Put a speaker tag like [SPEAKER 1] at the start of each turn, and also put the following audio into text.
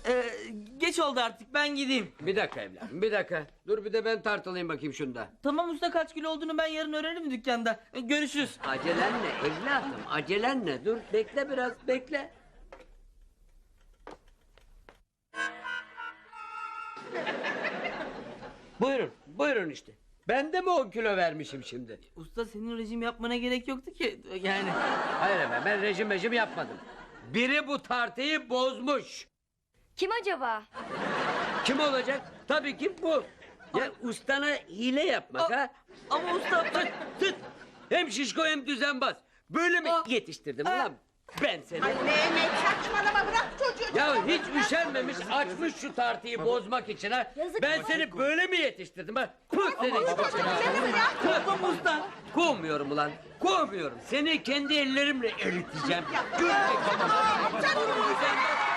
[SPEAKER 1] Geç oldu artık, ben gideyim.
[SPEAKER 2] Bir dakika evladım, bir dakika. Dur bir de ben tartılayım bakayım şunda.
[SPEAKER 1] Tamam usta, kaç kilo olduğunu ben yarın öğrenirim dükkanda. Görüşürüz.
[SPEAKER 2] Acelen ne evladım, acelen ne? Dur bekle biraz, bekle. Buyurun, buyurun işte. Ben de mi 10 kilo vermişim şimdi?
[SPEAKER 1] Usta, senin rejim yapmana gerek yoktu ki yani.
[SPEAKER 2] Hayır efendim, ben rejim yapmadım. Biri bu tartıyı bozmuş.
[SPEAKER 3] Kim acaba?
[SPEAKER 2] Kim olacak? Tabii ki bu. Ya ustana hile yapmak ha?
[SPEAKER 1] Ama usta...
[SPEAKER 2] Tıt! Hem şişko hem düzenbaz. Böyle mi yetiştirdim ulan? Ben seni.
[SPEAKER 4] Ay Mehmet saçmalama, bırak çocuğu.
[SPEAKER 2] Ya hiç üşenmemiş açmış şu tartıyı bozmak için ha.
[SPEAKER 3] Yazık
[SPEAKER 2] Ben
[SPEAKER 3] baba.
[SPEAKER 2] seni böyle mi yetiştirdim ha? Puh seni.
[SPEAKER 1] Tamam usta.
[SPEAKER 2] Kovmuyorum ulan. Kovmuyorum. Seni kendi ellerimle eriteceğim. Göreceksin.